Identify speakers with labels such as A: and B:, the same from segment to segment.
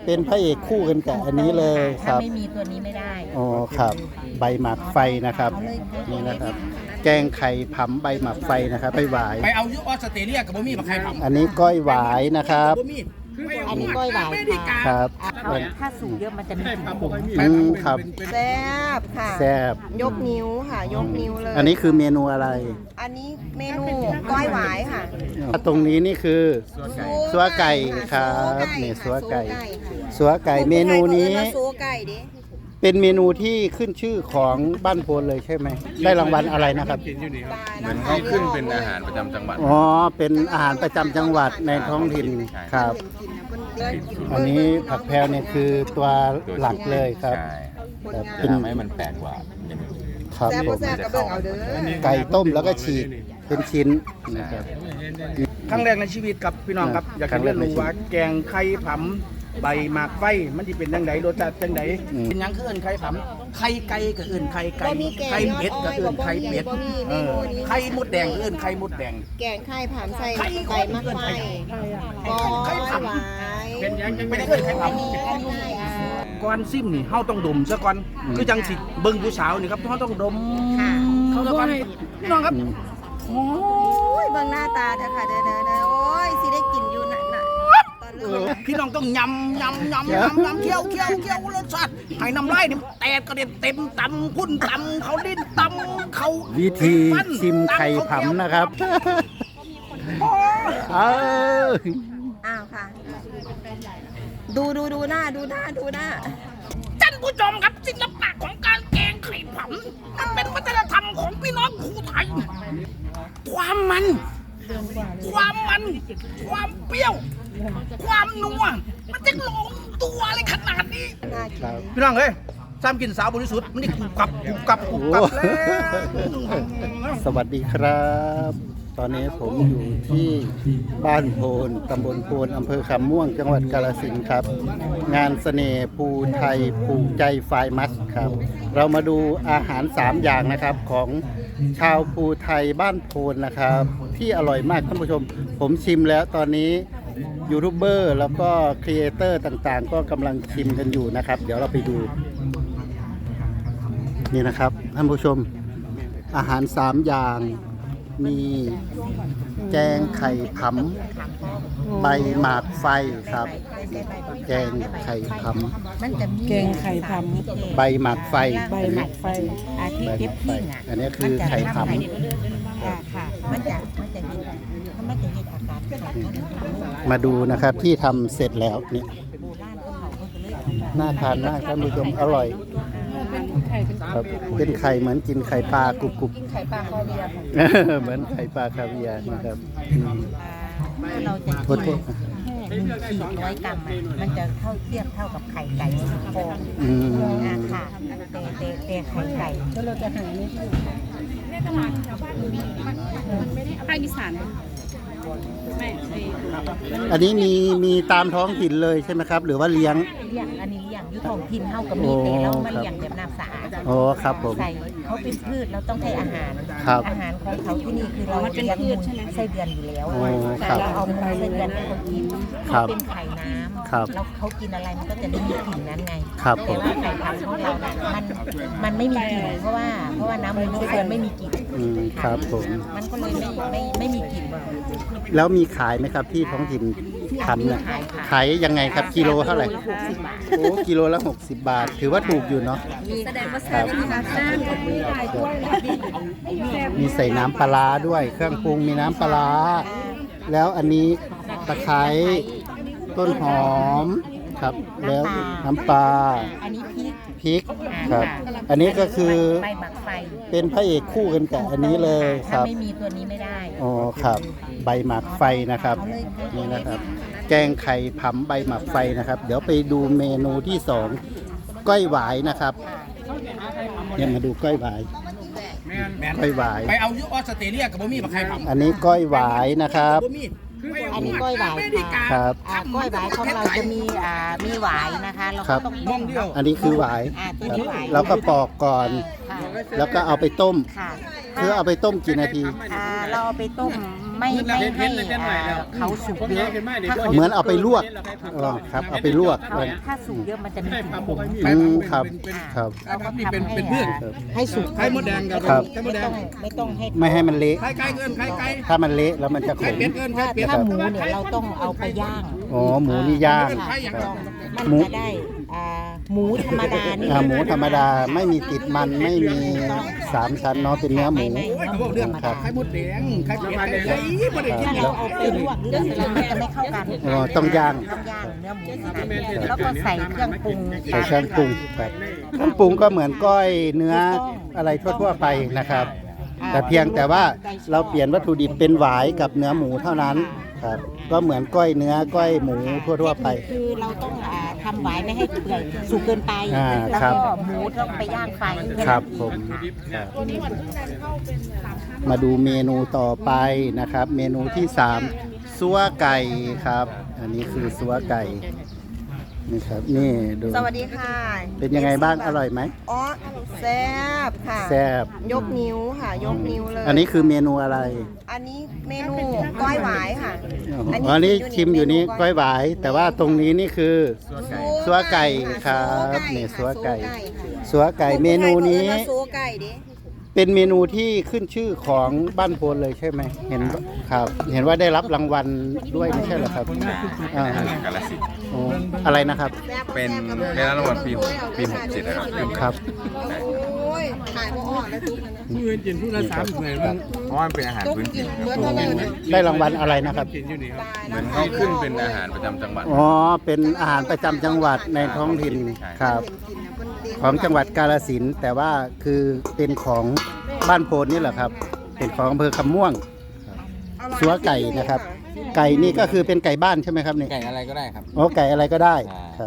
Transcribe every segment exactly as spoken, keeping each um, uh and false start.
A: เป็นพระเอกคู่กันกับอันนี้เลยค
B: ถ้า
A: รับ
B: ไม่มีตัวนี้ไม่ได้
A: อ๋อครับใบหมากไฟนะครับนี่นะครับ แกงไข่ผำใบหมากไฟนะครับไปหวาย
C: ไปเอายุออสเตรเลียกับบ่มีมาใครทำ
A: อันนี้ก้อยหวายนะครับ
C: บ่มี
B: อันนี้ก้อยหวาย
C: ไม่ได้กา
A: ครับ
B: ถ้าถ้าสูงเยอะมันจะมีกลิ่น
A: อืมครับ
D: แซ่บค่ะ
A: แซ่บ
D: ยกนิ้วค่ะ ยกนิ้วเลย
A: อันนี้คือเมนูอะไร
D: อันนี้เมนูก้อยหวายค่ะ
A: ตรงนี้นี่คือซัวไก่ครับนี่ซัวไก่ซัวไก่เมนูนี้
D: ซัวไก่ดิ
A: เป็นเมนูที่ขึ้นชื่อของบ้านโพนเลยใช่ไหมได้รางวัลอะไรนะครับ
E: เหมือนเขาขึ้นเป็นอาหารประจำจังหวัด
A: อ๋อเป็นอาหารประจำจังหวัดในท้องถิ่นครับ อันนี้ผักแพรวเนี่ยคือตัวหลักเลยครับ
E: ใช่
A: ครับ
E: จะ
A: เป็น
E: ทำให้มันแปลกกว่าอย่างอื่น
A: ครับ
D: แซ่บ
A: ผ
D: บ่
A: ม
D: แซ่บกระเบื้องเอาเด้อ
A: ไก่ต้มแล้วก็ฉีกเป็นชิ้นนะครับ
C: ครั้งแรกในชีวิตครับพี่น้องครับ อยากจะเรียนรู้ว่าแกงไข่ผำใบหมากไฟมันจะเป็นยังไงรสชาติจังไดเป็นหยังคือเอิ้นไข่ผำไข่ไก่ก็เอิ้นไข่ไก่
D: บ่มีแกง
C: ไข่เป็ดก็เอิ้นไข่เป็ด
D: บ่มีเม
C: เออ
D: นูนี้
C: ไข่มดแดงก็เอิ้นไข่มดแดง
D: แกงไข่ผามใส่ใบมะไฟก้อยหวาย
C: เป็นยังไม่ได้เอิ้นไข่ผำก่อนซิมนี่เฮาต้องดมซะก่อนคือจังสิเบิ่งผู้สาวนี่ครับเฮาต้องดมเขาซะก่อนพี่น้องครับโอ้
D: โอ้ยเบิ่งหน้าตาเด้อค่ะเด้อเด้อเด้อโอ้ยสิได้กินอยู่น่ะน่ะตอนเริ่ม
C: พี่น้องต้องยำยำยำยำยำเคี้ยวเคี้ยวเคี้ยวรสชาติให้น้ำลายนี่แตกกระเด็นเต็มตำพุ่นตำเขาดิ้นตำเขา
A: วิธีชิมไข่ผำนะครับเออ
D: อ้าวค่ะ ดูดูดูหน้าดูหน้าดูหน้า
C: ท่านผู้ชมครับศิลปะของการแกงไข่ผำมันเป็นวัฒนธรรมของพี่น้องภูไทย ความมัน ความมัน ความเปรี้ยว ความนัวมันจะลงตัวอะไรขนาดนี้
D: น่ากิ
A: ครับ
D: น
C: พี่น้องเอ้ยซ้ำกินสาวบริสุทธิ์มันนี่กรุบกรับกรุบกรับกรุบกรับแล้ว
A: สวัสดีครับ ตอนนี้ผมอยู่ที่บ้านโพนตำบลโพนอำเภอคำม่วงจังหวัดกาฬสินธุ์ครับ งานเสน่ห์ภูไทยภูใจไฟมัสครับ เรามาดูอาหารสามอย่างนะครับของชาวภูไทยบ้านโพนนะครับ ที่อร่อยมากท่านผู้ชม ผมชิมแล้วตอนนี้ยูทูบเบอร์แล้วก็ครีเอเตอร์ต่างๆ ก็กำลังชิมกันอยู่นะครับ เดี๋ยวเราไปดู นี่นะครับท่านผู้ชมอาหารสามอย่างมีแกงไข่ผำใบหมากไฟครับ แกงไข่ผ
B: มันจะมี
F: แกงไข่ผ
A: ำใบหมากไฟ
F: ำใบหมักไฟ
B: อาที่เก็บทิ้งอ่ะ
A: อันนี้คือไข่ผ
B: ค่ะค่ะมันจะมันจะเห็นมันจะเห็นอาการไข่ผำ
A: ำมาดูนะครับที่ทำเสร็จแล้วนี่น่าทานมากท่านผู้ชมอร่อยครับเป็นไข่เหมือนกินไข่ปลากรุบกรุบ
D: กินไข่ปลาคอเวียร์ค่ะ
A: เหมือนไข่ปลาคาเวียร์นะครับอืม
B: ถ้าเราจะ
A: โทษโทษ
B: แค่หนึ่งขีดร้อยกรัมอ่ะมันจะเท่าเทียบเท่ากับไข่ไก่สิบฟอง
A: อืม
B: อ่าค่ะแต่แต่แต่ไข่ไก่
F: แล้วเราจะหานี่
G: ภาคอีสานไม่ไอ้
A: อันนี้มีมีตามท้องถิ่นเลยใช่ไหมครับ หรือว่าเลี้ยง
B: เลี้ยงอันนี้เลี้ยงอยู่ท้องถิ่นเฮาก็มีแต่เรามาเลี้ยงแบบน้ำสะอาด
A: โอ้ครับผม
B: ใส่เขาเป็นพืชเราต้องให้อาหาร
A: ครับ
B: อาหารของเขาที่นี่คือเราเลี้ยงมูลไส้เดือนอยู่แล้ว
A: โอ้ครับ
B: เราเอามูลไส้เดือนให้เขากิน
A: ครั
B: เขา
A: บ
B: เป็นไข่น้ำ
A: ครับ
B: แล้วเขากินอะไรมันก็จะได้มีกลิ่นนั้นไง
A: ครับผ
B: แต่
A: ม
B: ว่าไข่พันธุ์ของเราเนี่ยมันมันไม่มีกลิ่นเพราะว่าเพราะว่าน้ำมูลไส้เดือนไม่มีกลิ่น
A: อืมครับผม
B: มันก็เลยไม่ไม่ไม่มีกลิ่น
A: แล้วมีขายไหมครับที่ท้องถิ่นทำเนี่ยขายยังไงครับกิโลเท่าไหร่
B: หกสิบบาท
A: โอ้กิโลละหกสิบบาท ถือว่าถูกอยู่เนาะ
B: แสดงว่า
A: ครับ
B: มีน้ำน้ำมีหลายถ้วย
A: มีใส่น้ำปลาร้าด้วย เครื่องปรุงมีน้ำปลาร้าแล้วอันนี้ตะไคร้ต้นหอมครับ แล้วน้ำปลา
B: อันนี้พริก
A: พริกครับ อันนี้ก็คือ
B: ใบหมักไฟ
A: เป็นพระเอกคู่กันกับอันนี้เลยค
B: ถ้า
A: รับ
B: ไม่มีตัวนี้ไม่ได้
A: อ๋อครับ ใบหมากไฟนะครับนี่นะครับ แกงไข่ผำใบหมากไฟนะครับ เดี๋ยวไปดูเมนูที่สองก้อยหวายนะครับเนี่ยมาดูก้อยหวาย
C: แม่น
A: ก้อยหวาย
C: ไปเอายุออสเตรเลียกับบ่มีมาใครทำ
A: อันนี้ก้อยหวายนะครับ
C: บ่มี
B: อันนี้ก้อยหวาย
C: ไม่ได้กา
A: ครับ
B: อ่าก้อยหวายของเราจะมีอ่ามีหวายนะคะเรา
A: ครั
B: ก็
A: บ
B: ต้อง
C: มองเดียว
A: อันนี้คือหวาย
B: อ่าตัว
A: ครับ
B: นี้หวาย
A: แล้วก็ปอกก่อน
B: ค่ะ
A: แล้วก็เอาไปต้ม
B: ค่ะ
A: คือเอาไปต้มกี่นาที
B: อ่าเราเอาไปต้มไม่ไม่ให้อ่าเขาสุกเยอะถ้าเขา
A: เหมือนเอาไปลวกเออครับเอาไปลวก
B: ถ้าถ้าสุกเยอะมันจะมีกลิ่นขม
A: อืมครับครับ
B: เราก็ทำให้อ่าให้สุก
C: ไข่มดแดงกับ
A: ครับ
C: ไข่มดแดง
B: ไม่ต้องให้
A: ไม่ให้มันเละ
C: ไข่ไก่เกินไข่ไก่
A: ถ้ามันเละแล้วมันจะข
C: ไข่
A: ม
C: เป็ดเกินไข่
B: ถ้า
C: เป็ด
B: ถ้าหมูเนี่ยเราต้องเอาไปย่าง
A: อ๋อหมูนี่ย่าง
B: ค่ะ
A: ครับ
B: มัน
A: หมู
B: จะได้อ่าหมูธรรมดานี่
A: อ่าหมูธรรมดาไม่มีติดมันไม่มีสามชั้นเนาะเป็นเนื้อหมู
B: ไม่
C: โอ้ยเขาบอกเรื่อง
A: ครับ
C: ไข่มดแดงไข่เป็ดไข่ไก่บ่ได้กิน
B: ถ้าเราเอาไปลวกหรืออะไรมันจะไม่เข้ากัน
A: อ๋อต้องย่าง
B: ต้องย่างเนื้อหมูค่ะแล้วก็ใส่เครื่องปรุง
A: ใส่เครื่องปรุงครับเครื่องปรุงก็เหมือนก้อยเนื้ออะไรทั่วๆไปนะครับ แต่เพียงแต่ว่าเราเปลี่ยนวัตถุดิบเป็นหวายกับเนื้อหมูเท่านั้นครับก็เหมือนก้อยเนื้อก้อยหมูทั่วๆไป
B: คือเราต้องอ่าทำไว้ไม่ให้เปื่อยสุกเกินไป
A: อ่า
B: แล้ว
A: ครั
B: ก็
A: บ
B: หมูต้องไปย่างไฟ
A: ครับผมครับมาดูเมนูต่อไปนะครับ เมนูที่สามซัวไก่ครับ อันนี้คือซัวไก่นี่ครับนี่ดู
D: สวัสดีค่ะ
A: เป็นยังไงบ้างอร่อยไหม
D: อ๋อแซ่บค่ะ
A: แซ่บ
D: ยกนิ้วค่ะ ยกนิ้วเลย
A: อันนี้คือเมนูอะไร
D: อันนี้เมนูก้อยหวายค่ะ
A: อ๋ออันนี้ชิมอยู่นี้ก้อยหวาย แต่ว่าตรงนี้นี่คือซัวไก่ครับนี่ซัวไก่ซัวไก่เมนูนี้
D: ซัวไก่ดิ
A: เป็นเมนูที่ขึ้นชื่อของบ้านโพนเลยใช่ไหมเห็นครับ เห็นว่าได้รับรางวัลด้วยไม่ใช่เหรอครับอ่า
E: กาลสินธุ์
A: อ๋ออะไรนะครับ
E: เป็นได้รับรางวัลปีปีหกเจ็ดนะครับ
A: ครับ
D: โอ้ยถ่ายบ่ออกแล้วทุกคนนะ
C: มือกินผู้ละสามเหมือนมัน
E: เพราะว่ามันเป็นอาหารพื้นถิ่น
D: เมื่อเท่านั้นนะ
A: ได้รางวัลอะไรนะครับ
C: กินอยู่นี่ครับ
E: เหมือนเขาขึ้นเป็นอาหารประจำจังหวัด
A: อ๋อเป็นอาหารประจำจังหวัดในท้องถิ่นครับ ของจังหวัดกาฬสินธุ์แต่ว่าคือเป็นของบ้านโพนนี่แหละครับ เป็นของอำเภอคำม่วงซัวไก่นะครับ ไก่นี่ก็คือเป็นไก่บ้านใช่ไหมครับนี่
E: ไก่อะไรก็ได้ครับ
A: อ๋อไก่อะไรก็ได้ครับ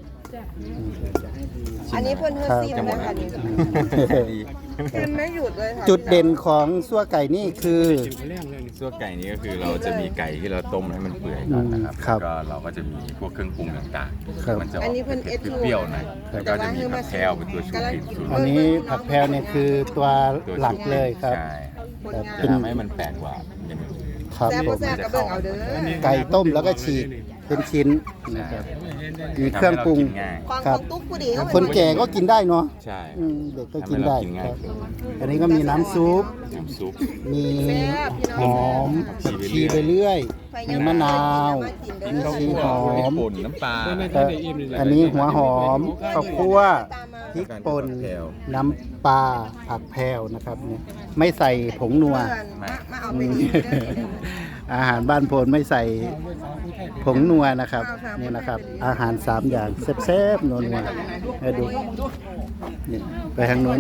D: อันนี้เพื่อนเพื่อนซิมนะคะนี่ซิมไม่หยุดเลยค่ะ
A: จุดเด่นของซัวไก่นี่คือ
E: ซั่วไก่นี้ก็คือเราจะมีไก่ที่เราต้มให้มันเปื่อยก่อนนะครับ
A: ครับ
E: แล้วก็เราก็จะมีพวกเครื่องปรุงต่าง
A: ครับ
E: ๆ มันจะอ
D: อั
E: อน ก
D: นี้เพื่อนเอส
E: เปรี้ยวๆหน่อยแล้วก็จะมีผักแพรวเป็นตัวชูกลิ่นสูตร
A: อันนี้ผักแพรวเนี่ยคือตัวหลักเลยครับ
E: ใช่
A: ครับ
E: จะ
A: เป็น
E: ทำให้มันแปลกกว่าอย่างอื่น
A: ครับ
D: แซ่บ
A: ผ
D: บ่
A: ม
D: แซ่บกระเบื้องเอาเด้อ
A: ไก่ต้มแล้วก็ฉีกเป็นชิ้นนะครับมีเครื่องปรุง
E: ทำให้เากินง่าย
D: ของ
A: ครั
D: ข
A: บ
D: องตุ๊กผู้ดีเขา
A: คนแก่ก็กินได้เนาะ
E: ใช่
A: อืมเด็กก็
E: ทำ
A: กิ
E: ให้
A: น
E: เรา
A: ได้
E: กิน
A: ค
E: ง่าย
A: รับ
E: ขึ้น
A: อันนี้ก็มีน้ำซุป
E: น้ำซุป
A: มีหอมผักชีไปเรื่อย มีมะนาวมีชีหอม
E: ป่นน้ำปลา
A: ครับอันนี้หัวหอมข้าวคั่วพริกป่นน้ำปลาผักแพรวนะครับเนี่ยไม่ใส่ผงนัว
D: มามาเอา
A: อื
D: ไป
A: ม
D: กินเด้อ
A: อาหารบ้านโพนไม่ใส่ผงนัวนะครับนี่นะครับ อาหารสามอย่างแซ่บๆนัวๆให้ดูนี่ไปทางโน้น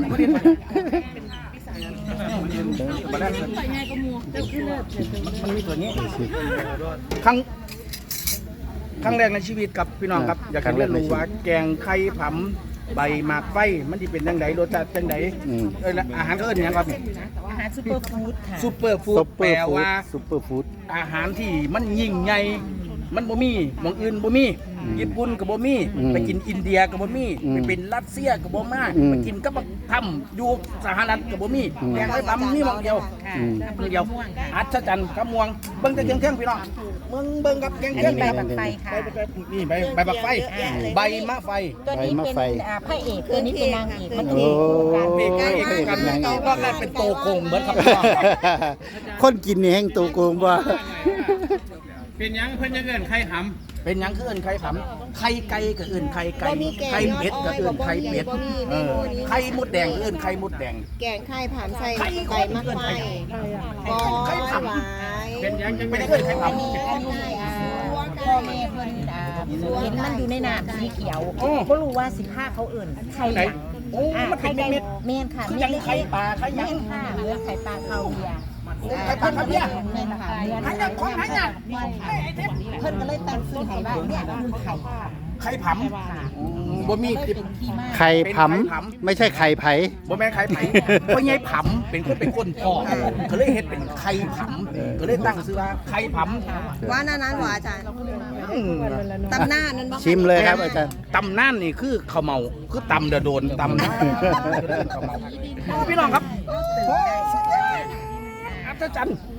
C: มันมีตัวนี้ครั้งครั้งแรกในชีวิตกับพี่น้องครับ อยากจะเรียนรู้ว่าแกงไข่ผำใบหมากไฟมันจะเป็นจังไดรสชาติจังได
A: อืม
C: เอ้ยแล้วอาหารเขาเอิ้นหยังครับ
B: อาหารซุปเปอร์ฟู้ดค่ะ
C: ซูเปอร์ฟู้
A: ซุ
C: ด
A: ปเป
C: แป
A: อ
C: ล
A: ร์ฟู้ด
C: ว่า
A: ซุปเปอร์ฟู้ด
C: อาหารที่มันยิ่งใหญ่มันบ่มีหมองอื่นบ่มี
A: อืม
C: ญี่ปุ่นก็บ่มี
A: อืม
C: ไปกินอินเดียก็บ่มี
A: อืม
C: ไปเป็นรัสเซียก็บ่มา
A: อืม
C: ไปกินกับบักทำอยู่สหรัฐก็บ่มี
A: อืม
C: แกงไข่ผำมีหมองเดียว
B: ค่ะ
A: อืม
C: เดียวอัศจรรย์กำมวงเบิ่งแต่เครื่องเครื่องพี่น้องมึงเบิ่งกับเครื่อง
B: อัน
C: เครื่อ
B: นี้
C: ง
B: ใบ
C: แบบ
B: บักไฟค่ะ
C: นี่ใบใบบักไฟ
B: อ่า
C: ใบมะไฟ
B: ตัวนี้
A: ใบมะ
B: เป็น
A: ไฟ
B: อ่าพระเอกตัวนี้เป็นนางเอกมัน
A: โอ้
B: คือการ
C: เอกเอกกัน
A: นางเอก
C: ก็กลายเป็นโตโกงเหมือนครับพี่น้อง
A: คนกินนี่แห้งตัวโกงบ่
F: เป็นหยังเพิ่นจะเกินไข่ห
C: เป็นหยังคือเอิ้นไข่ผำไข่ไก่ก็เอิ้นไข่ไก่
D: บ่มีแกง
C: ไข่เป็ดก็เอิ้นไข่เป็ด
D: บ่มี
C: เออ
D: บ่มี
C: ไข่มดแดงก็เอิ้นไข่มดแดง
D: แกงไข่ผามใส่ใบมะไฟก้อยหวาย
F: ำเป็นหยังจัง
C: ไม่
F: ไม่
C: ได้
F: ได้
C: เอิ้นไข่ผ
B: อันนี้อันนี้อ่าพ่อแม่เพิ่นอ่าเห็นมันอยู่ในน้ำสีเขียวก็รู้ว่าสิผ้าเขาเอิ่นไข่หยัง
C: ำโอ้มันเป็นเม็ด
B: เมนค่ะ
C: คือยังไข่ปลาไข่ห
B: เม
C: ยัง
B: นค่ะเนื้อไข่ปลาคาเวียร์
C: ไข่ปลาคาเวียร์
B: เมนค่ะเนื้อ
C: หายังของหายัง
B: เพิ่นก็เลยตั้งชื่อให้ว่าเนี่ยคือไข่
C: ไข่ผำบ่มี
B: เลยเป็นที่มา
A: ไข่ผำไม่ใช่ไข่ไผ่
C: บ่แม่นไข่ไผ่เพราะไงผำเป็นคนเป็นคนพ่อก็เลยเฮ็ดเป็นไข่ผำก็เลยตั้งชื่อว่าไข่ผำ
D: ว่านั้นนั้นหวาอาจารย์
C: อืม
D: ตำหน้านั้นบ่
A: ชิมเลยครับอาจารย์
C: ตำน่านนี่คือข้าวเมาคือตำเดอโดนตำน่านพี่น้องครับอัศจรรย์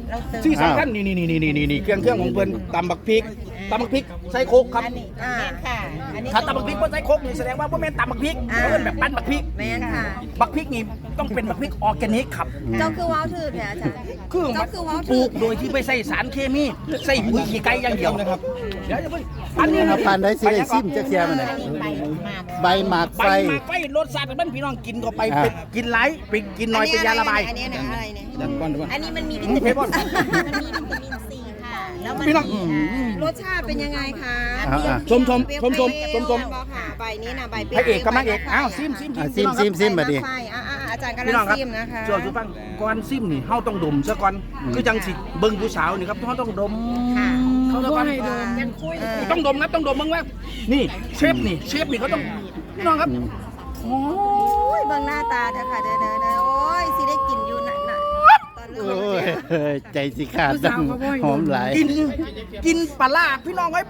B: เราเติม
C: ที่สำคัญนี่นี่นี่นี่นี่นี่เครื่องเครื่องของเพิ่นตำบักพริกตำบักพริกใส่โคกครับ
B: อันนี้แม่นค่ะอันนี้
C: ถ้าตำบักพริกบ่ใส่โคกนี่แสดงว่าบ่แม่นตำบักพริกเพิ่นแบบปั้นบักพริก
D: แม่นค่ะ
C: บักพริกนี่ต้องเป็นบักพริกออร์แกนิกครับ
D: เจ้าคือว้าวถือแท้อาจารย์
C: คือมั
D: เจ้าน คือว้าว
C: ปลู
D: ถือ
C: กโดยที่ไม่ใส่สารเคมีใส่ปุ๋ยขี้ไก่อย่างเดียวนะครับเดี๋ยวจะเพิ่งอันนี้
A: เอาปานได้สิได้ซิมจักเที่ยมันน่ะ
B: อันนี้ใบมาก
A: ใบหมาก
C: ใบ
A: ไฟ
C: หมากไฟรสชาติมันพี่น้องกินเข้าไป
A: อ่า
C: เป็นกินหลายไปกินน้อยเป็นยาระบาย
D: อันนี้นะอะไรเนี่ย
B: อันนี้มันมีวิ
C: อื
B: ตาม มิน
C: เพบอน
B: มันมีวิตามินซีค่ะ แล้วมัน
C: พี่น้อง
B: มีอ่าร
D: สชาติเป็นยังไงคะ
A: อ่า
C: ชมชมชมชมชมชม
D: บอกค่ะใบนี้นะใบเป
C: พระเอกกับนางเอกอ้าวซิมซิม
A: อ่ะซิมซิมซิมบัดนี้
D: ใช่อ่าอาจารย์กำลั
C: พี่น้อง
D: ง
C: ครับ
D: ซิมนะคะ
C: ส่วนสุฟังก่อนซิมนี่เฮาต้องดมซะก่อนคือจังสิเบิ่งผู้สาวนี่ครับเฮาต้องดม
B: ค่ะ
C: เขาต้อง
G: ให้ดม
B: ยังคุย
C: ต้องดมนะต้องดมมึงว่านี่เชฟนี่เชฟนี่เขาต้องพี่น้องครับโอ้
D: โอ้ยเบิ่งหน้าตาเถอะค่ะเด้อเด้อเด้อโอ้ยสิได้กินอยู่น่ะน่ะตอนเริ่
A: โอ้
D: ม
A: ยใจสิขาดดังหอมหลาย
C: กินกินปลาร้าพี่น้องไว้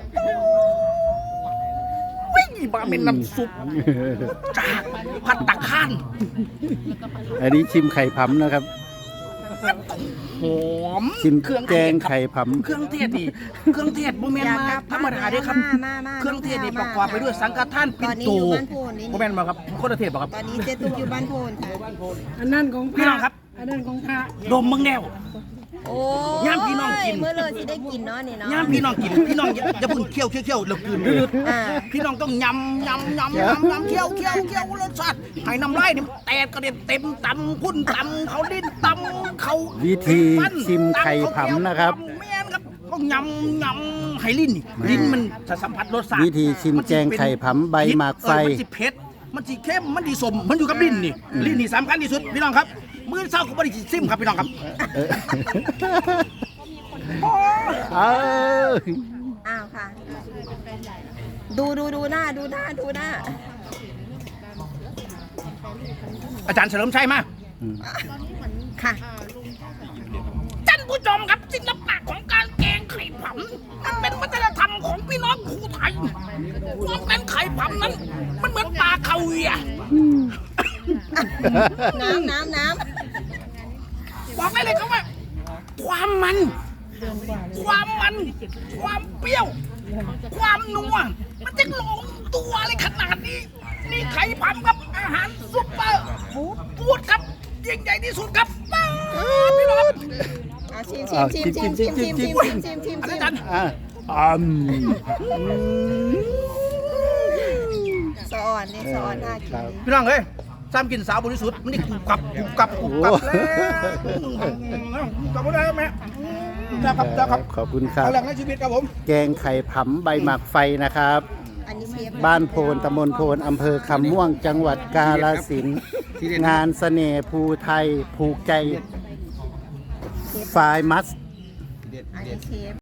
C: วิ่งมาเป็นน้ำซุปจากผัดตะขาน
A: อันนี้ชิมไข่ผำนะครับ
C: หอม
A: ชิม
C: เครื่อง
A: แก
C: เทศ
A: ง
C: ครับ
A: ไข่ผำ
C: เครื่องเทศนี่เครื่องเทศโมเมนต์มาธรรมดาเด้ครับ
D: มามา
C: เครื่องเทศนี่ประกอบไปด้วยสังฆทานปิ่นโต
D: ตอนนี้อยู่บ้านโพนนี่
C: โมเมนต์มาครับคนละเทศป่ะครับ
D: ตอนนี้เจ๊ตุ๊กอยู่บ้านโพนค่ะ
G: อันนั้นของพ
C: พี่
G: ระ
C: น้องครับ
G: อันนั้นของพระ
C: ดมมึงแนว
D: โอ้
C: ย่ามพี่น้องกิน
D: เมื่อเลยสิได้กินเนาะนี่เนาะ
C: ย่ามพี่น้องกินพี่น้องอย่าอย่าเพุ่งเคี้ยวเคี้ยวเคี้ยวแล้วกลืนลืด
D: อ่า
C: พี่น้องต้องยำยำยำยำยำเคี้ยวเคี้ยวเคี้ยวรสชาติให้น้ำลายนี่มันแตกกระเด็นเต็มตำพุ่นตำเขาดิ้นตำเขา
A: วิธี
C: ฟัน
A: ชิมไข่ผำนะครับ
C: ตำแม่นครับต้องยำยำให้ลิ้นนี่ลิ้นมันจะสัมผัสรสชาติ
A: วิธีชิมแกงไข่ผำใบหมากไฟ
C: เออมันสิเผ็ดมันสิเข้มมันสิสมมันอยู่กับลิ้นนี่ลิ้นนี่สำคัญที่สุดพี่น้องครับมื้อเช้าก็บ่ได้ซิมครับพี่น้องครับ
A: เออ
C: โอ้ย
A: เอา
D: อ้าวค่ะ ดูดูดูหน้าดูหน้าดูหน้า
C: อาจารย์เฉลิมชัยมา
D: ค่ะ
C: ท่านผู้ชมครับศิลปะของการแกงไข่ผำมันเป็นวัฒนธรรมของพี่น้องภูไทยความเป็นไข่ผำนั้น มันเหมือนปลาคาเวียร์
D: น้ำน้ำน้
C: บอกได้เลยครับว่า ความมัน ความมัน ความเปรี้ยว ความนัวมันจะลงตัวอะไรขนาดนี้ นี่ไข่ผำครับอาหารซุปเปอร์ฟู้ดฟู้ดครับยิ่งใหญ่ที่สุดครับป๊าบพี่น้อง
D: ำอ่ะชิมชิมชิมชิมชิมชิมชิมชิมชิมชิม
C: อา
D: ชิม
C: จารย์
A: อ่ะอืม
D: สะอ่อนนี่สะอ่อนน่ากิน
A: ครับ
C: พี่น้องเอ้ยซ้ำกินสาวบริสุทธิ์มันนี่กรุบกรับกรุบกรับกรุบกรับแล้วกลับมาได้ไหมครับครับครับ
A: ขอบคุณครับ
C: เอาแรงในชีวิตครับผม
A: แกงไข่ผำใบหมากไฟนะครับ
D: อันนี้เชฟ
A: บ้านโพนตำบลโพนอำเภอคำม่วงจังหวัดกาฬสินธุ์งานเสน่ห์ภูไทยผูกใจไฟมัส
D: อันนี้เชฟ